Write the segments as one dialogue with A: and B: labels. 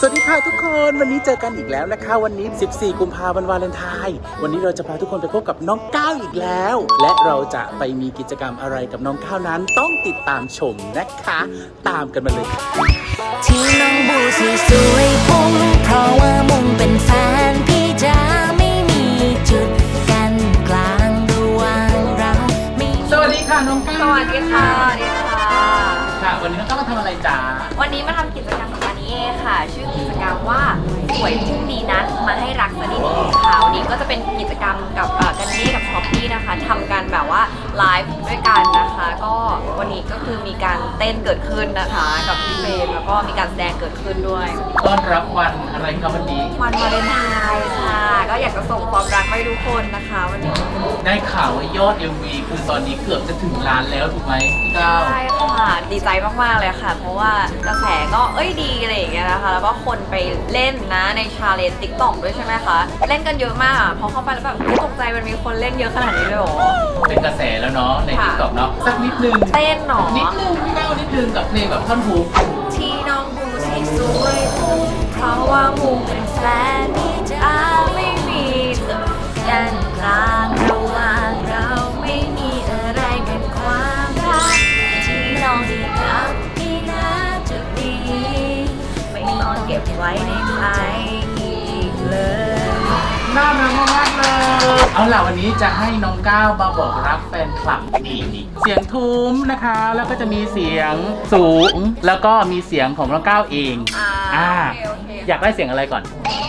A: วัสดีค่ะทุกคนวันนี้เจอกันอีกแล้วนะคะวันนี้14กุมภาพันธ์วาเลนไทน์วันนี้เราจะพาทุกคนไปพบกับน้องก้าวอีกแล้วและเราจะไปมีกิจกรรมอะไรกับน้องก้าวนั้นต้องติดตามชมนะคะตามกันมาเลย
B: ที่น้องบูสีสวยพุ่งเพราะว่ามุ่งเป็นแฟนพี่จะไม่มีจุดกันกลางระหว่างเรา
A: สวัสดีค่ะน้องก้าว
C: สวัสดีค่ะสวัสดีค่ะ
A: ค่ะวันนี้น้องก้าวมาทำอะไรจ๊ะ
C: วันนี้มาทำกิจกรรมกับการนี้เองค่ะชื่อกิจกรรมว่าสวยพรุ่งนี้นัดมาให้รักสนิทค่ะวันนี้ก็จะเป็นกิจกรรมกับกันนี้กับช้อปปี้นะคะทำกันแบบว่าไลฟ์ด้วยกันนะคะก็วันนี้ก็คือมีการเต้นเกิดขึ้นนะคะกับพี่เฟรมแล้วก็มีการแสดงเกิดขึ้นด้วย
A: ต้อนรับวันอะไรครับวันนี้
C: วันวาเลนไทน์ค่ะก็อยากจะส่งความรักไปทุกคนนะคะวันนี้
A: ได้ข่าวว่ายอด MV คือตอนนี้เกือบจะถึงล้านแล้วถูกไหมพี่ก้าว
C: ใช่ค่ะดีใจมากๆเลยค่ะเพราะว่ากระแสก็ดีอะไรอย่างเงี้ยนะคะแล้วก็คนไปเล่นนะในชาเลนจ์ TikTok ด้วยใช่ไหมคะเล่นกันเยอะมากพอเข้าไปแล้วแบบตกใจมันมีคนเล่นเยอะขนาดนี้เลยเหรอ
A: เป็นกระแสแล้วเนาะใน TikTok เนาะสักนิดนึง
C: เต้นหนอ
A: นิดนึงพี่ก้าวนิดนึงกับเพลงแบบท่อนฮุก
C: ที่น้องบูสีสวยเพราะว่ามูเป็นแฟนที่จะไม่มีจุดกันกลางระหว่างเราไม่มีอะไรเป็นความรักที่น้องดีกับพี่นะจุดนี้ไม่ต้องเก็บไว้ในใจอีกเลย
A: น่ารักมากเลยเอาล่ะวันนี้จะให้น้องก้าวมาบอกรักแฟนคลับนี่เสียงทุ้มนะคะแล้วก็จะมีเสียงสูงแล้วก็มีเสียงของน้องก้าวเองอยากได้เสียงอะไรก่อน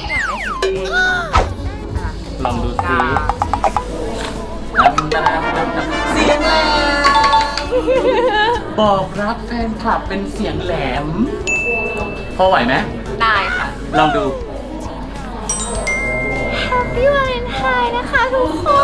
A: ลองดูซิเสียงแหลมบอกรักแฟนคลับเป็นเสียงแหลมพอไหวไหม
C: ได้ค่ะ
A: ลองดู
C: Happy Valentine นะคะทุกคน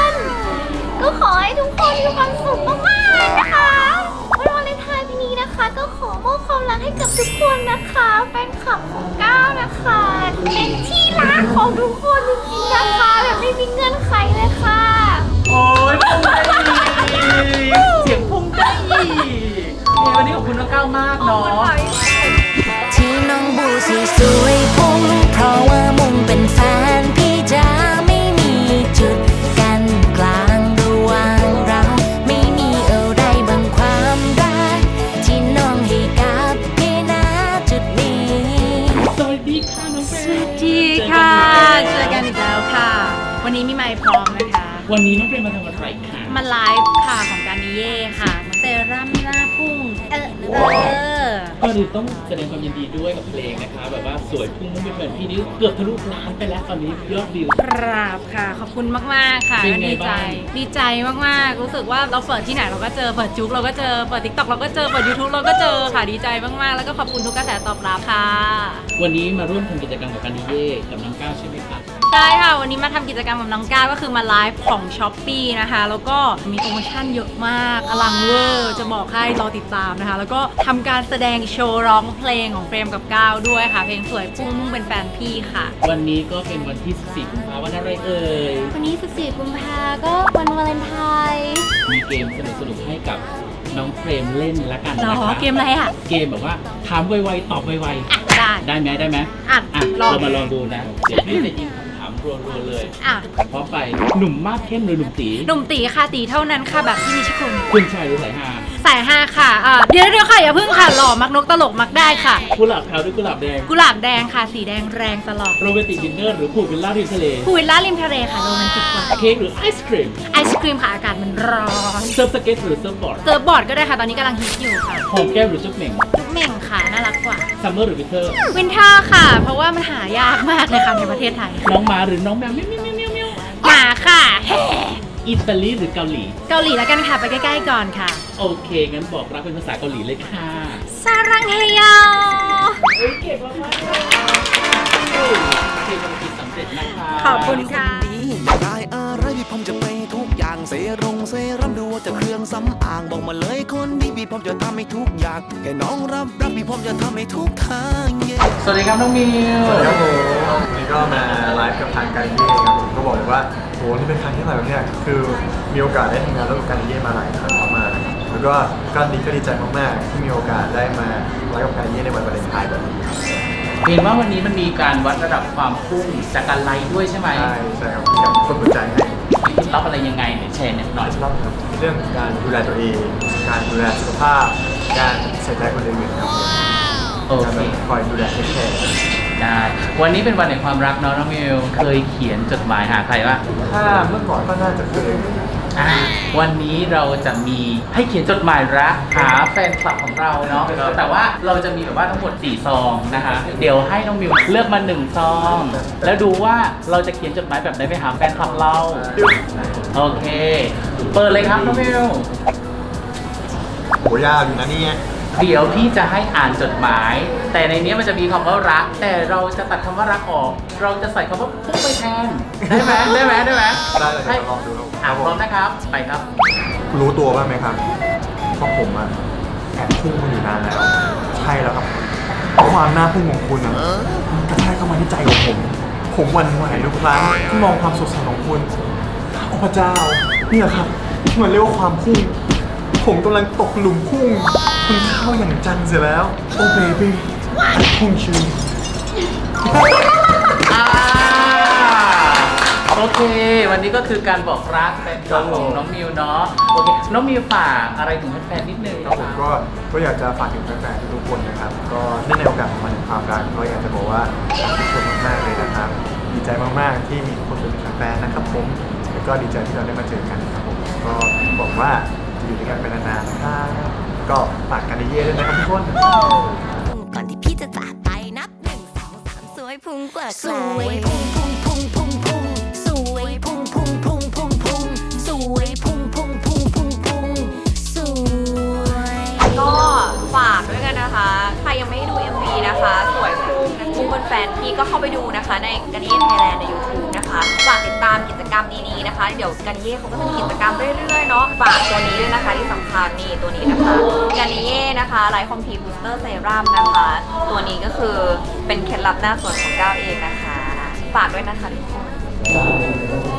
C: ก็ขอให้ทุกคนมีความสุขมากๆนะคะวันวาเลนไทน์ปีนี้นะคะก็ขอมอบความรักให้กับทุกคนนะคะแฟนคลับของก้าวนะคะเป็นที่รักของทุกคนจริงๆนะคะแบบไม่มีเงื่อนไขเลยค่ะ
A: โอ้ยพุ่งได้เสียงพุ่งได้วันนี้ขอบคุณน้องก้าวมากเนาะ
B: ที่น้องบูสีสวยพุ่งเพราะว่ามุ่งเป็นแฟนพี่จะไม่มีจุดกันกลางระหว่างเราไม่มีอะไรบังความรักที่น้องให้กับพี่นะจุดนี้
A: สวัสดีค่ะน้องเฟรม
D: สวัสดีค่ะเจอกันอีกแล้วค่ะวันนี้มีไมค์พร้อมนะคะ
A: วันนี้น้องเฟรมมาทำอะไรคะ
D: มาไลฟ์ค่ะของการนิเย่ค่ะเซรั่มหน้าพุ่ง
A: ก็ดูต้องแสดงความยินดีด้วยกับเพลงนะคะแบบว่าสวยพุ่งมุ่งเป็นเหมือนพี่นี่เกือบทะลุล้านไปแล้วตอนนี้ยอดวิว
D: กราบค่ะขอบคุณมากๆค่ะดีใจมากๆรู้สึกว่าเราเปิดที่ไหนเราก็เจอเปิดจุ๊กเราก็เจอเปิด TikTok เราก็เจอเปิด YouTube เราก็เจอค่ะดีใจมากๆแล้วก็ขอบคุณทุกกระแสตอบรับค่ะ
A: วันนี้มาร่วมทำกิจกรรมกับการนิเย่กับน้องก้าวใช่ไหมคะ
D: ใช่ค่ะวันนี้มาทำกิจกรรมกับน้องก้าวก็คือมาไลฟ์ของ Shopee นะคะแล้วก็มีโปรโมชั่นเยอะมากอลังเวอร์จะบอกให้รอติดตามนะคะแล้วก็ทำการแสดงโชว์ร้องเพลงของเฟรมกับก้าวด้วยค่ะเพลงสวยพุ่งมุ่งเป็นแฟนพี่ค่ะ
A: วันนี้ก็เป็นวันที่14กุมภาพันธ์วันอะไรเอ่ย
D: วันนี้14กุมภาพันธ์ก็วันวาเลนไทน์
A: มีเกมสนุกๆให้กับน้องเฟรมเล่นละกันนะคะ
D: เกมอะไรอ่ะ
A: เกมแบบว่าถามไวๆตอบไว
D: ๆ
A: ได้ไหมเรามาลองดูนะเดี๋ยวพี่จะยิงรัวๆเลยพร้อมไปหนุ่มมากเข้มหรือหนุ่ม
D: ตีค่ะตีเท่านั้นค่ะแบบที่นิช
A: คุณชายหรือ
D: สายห้าค่ะเดี๋ยวค่ะอย่าเพิ่งค่ะหล่อมักนกตลกมักได้ค่ะ
A: กุหลาบขาวหรือกุหลาบ
D: แดงค่ะสีแดงแรงตลอด
A: โรแมนติกดินเนอร์หรือพูลวิลล่าริมทะเล
D: ค่ะโรแมนติกกว่า
A: เค้กหรือไอศครีม
D: ค่ะอากาศมันร้อน
A: เซิร์ฟสเก็ตหรือเซิร์ฟบ
D: อร์ดก็ได้ค่ะตอนนี้กำลังฮิตอยู่ค่ะ
A: หอมแก้มหรือจุ๊บเหม่ง
D: ค่ะน่ารักกว่า
A: ซัมเมอร์หรือวินเทอ
D: ร์ค่ะเพราะว่ามันหายากมากเลยค่ะในประเทศไทย
A: น้องหมาหรือน้องแมว
D: หมาค่ะ
A: อิตาลีหรือเกาหลี
D: แล้วกันค่ะไปใกล้ๆก่อนค่ะ
A: โอเคงั้นบอกรักเป็นภาษาเกาหลีเลยค่ะ
D: ซารังเฮโย
A: เก่งมากเพลงมันสำเร็จนะคะ
D: ขอบคุณค่ะ
E: ได้อะไรพี่ผมจะไปทุกอย่างเซรั่มดูว่าจะเครื่องสำอางบอกมาเลยคนดีพี่ผมจะทำให้ทุกอย่างแค่น้องรับพี่ผมจะทำให้ทุกทาง
A: สวัสดีครับน้องมิว
F: สวัสดีครับผมวันนี้ก็มาไลฟ์กับทางการเย่ครับผมก็บอกเลยว่าโหนี่เป็นครั้งที่แบบเนี่ยคือมีโอกาสได้ทำงานร่วมกับการเย่มาหลายครั้งมากๆแล้วก็ดีใจมากๆที่มีโอกาสได้มาไลฟ์กับการเย่ในวันวาเลนไทน์แบบนี้ครับ
A: เห็นว่าวันนี้มันมีการวัดระดับความพุ่งจากการไลฟ์ด้วยใช่ไหม
F: ใช่ครับอยากกดหัวใจให้
A: มีเคล็ดลับอะไรยังไงเนี่ยแชร์หน่อย
F: รอบครับเรื่องการดูแลตัวเอง การดูแลสุขภาพ การใส่ใจคนอื่นครับผม
A: โอ
F: การ
A: เค
F: แบบคอยดูแลเทคแคร์
A: ได้วันนี้เป็นวันแห่งความรักเนาะน้องมิวเคยเขียนจดหมายหาใครปะ
F: ถ้าเมื่อก่อนก็น่าจะเคย
A: วันนี้เราจะมีให้เขียนจดหมายรักหาแฟนคลับของเราเนาะแต่ว่าเราจะมีแบบว่าทั้งหมด4ซองนะคะเดี๋ยวให้น้องมิวเลือกมา1ซองแล้วดูว่าเราจะเขียนจดหมายแบบไหนไปหาแฟนคลับเราโอเคเปิดเลยครับน้องมิว
F: โหยาวอยู่นะเนี่ย
A: เดี๋ยวพี่จะให้อ่านจดหมาย แต่ในนี้มันจะมีคำว่ารัก แต่เราจะตัดคำว่ารักออก เราจะใส่คำว่าพุ่งไปแทนได้ไหมได้ไหมได้ไหม
F: ได้เลย
A: ให้
F: ลองดูครับ
A: อ่ะพร้อมนะครับไปครับ
F: รู้ตัวบ้างไหมครับว่าผมอะแอบพุ่งมาอยู่นานแล้ว ใช่แล้วครับเพราะความน่าพุ่งของคุณอะมันกระแทกเข้ามาที่ใจของผม ผมหวั่นไหวทุกครั้งที่มองความสดใสของคุณโอ้พระเจ้านี่แหละครับที่มันเรียกว่าความพุ่ง ผมกำลังตกหลุมพุ่งคุณเข้าอย่างจังเสียแล้ว โอ้เบบี้พุ่งชื่น
A: โอเค วันนี้ก็คือการบอกรักแฟนคลับของน้องมิวเนาะโอเคน้องมิวฝากอะไรถึงแฟนๆนิดนึง
F: ครับผมก็อยากจะฝากถึงแฟนๆทุกคนนะครับ ก็เนื่องในโอกาสของวันแห่งความรักก็อยากจะบอกว่าขอบคุณมากๆเลยนะครับ ดีใจมากๆที่มีทุกคนเป็นแฟนๆนะครับผมแล้วก็ดีใจที่เราได้มาเจอกันนะครับผมก็บอกว่าจะอยู่ด้วยกันไปนานๆนะครับก็ฝากกันเย่ๆด้วยนะครับทุกคน
B: ก่อนที่พี่จะจากไปนับ1 2 3สวยพุ่งเปิดสวยพุ่งพุ่งพุ่งพุ่งพุ่งสวยพุ่งพุ่งพุ่งพุ่งพุ่งสวยพุ่งพุ่งพุ่งพุ่งพุ่งสวย
C: ก็ฝากด้วยกันนะคะ ใครยังไม่ได้ดู MV นะคะ สวยพุ่งเป็นแฟนพี่ก็เข้าไปดูนะคะ ในกันเย่ไทยแลนด์ใน YouTube นะคะฝากติดตามกิจกรรมดีๆนะคะ เดี๋ยวกันเย่เขาก็จะมีกิจกรรมเรื่อยๆเนาะฝากตัวนี้ด้วยนะคะที่สำคัญนี่ตัวนี้นะคะกันเย่นะคะไลท์คอมพีบูสเตอร์เซรั่มนะคะ ตัวนี้ก็คือเป็นเคล็ดลับหน้าสวยของก้าวเองนะคะ ฝากด้วยนะคะทุกคน